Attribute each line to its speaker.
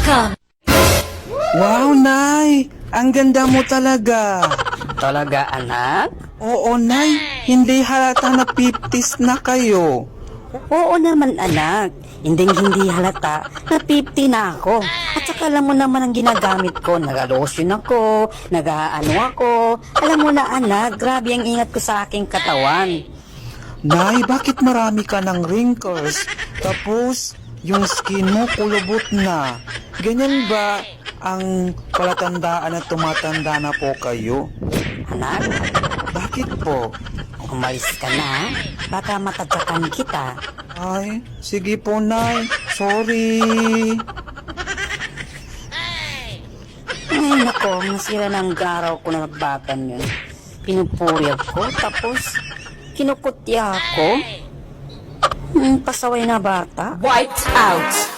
Speaker 1: Wow, Nay! Ang ganda mo talaga.
Speaker 2: Talaga, anak?
Speaker 1: Oo, Nay. Hindi halata na 50s na kayo.
Speaker 2: Oo naman, anak. Hindi halata na 50 na ako. At saka alam mo naman ang ginagamit ko. Nag-lotion ako, nag-ano ako. Alam mo na, anak, grabe ang ingat ko sa aking katawan.
Speaker 1: Nay, bakit marami ka ng wrinkles? Tapos, yung skin mo kulubot na. Ganyan ba ang palatandaan na tumatanda na po kayo?
Speaker 2: Anak,
Speaker 1: Bakit po?
Speaker 2: umalis ka na. Baka matadyakan kita.
Speaker 1: Ay, sige po, Nay. Sorry.
Speaker 2: Ay, nako, masira na ang araw ko na nagbatan yun. Pinupuri ako, tapos kinukutya ako. Pasaway na bata.
Speaker 3: Wiped out.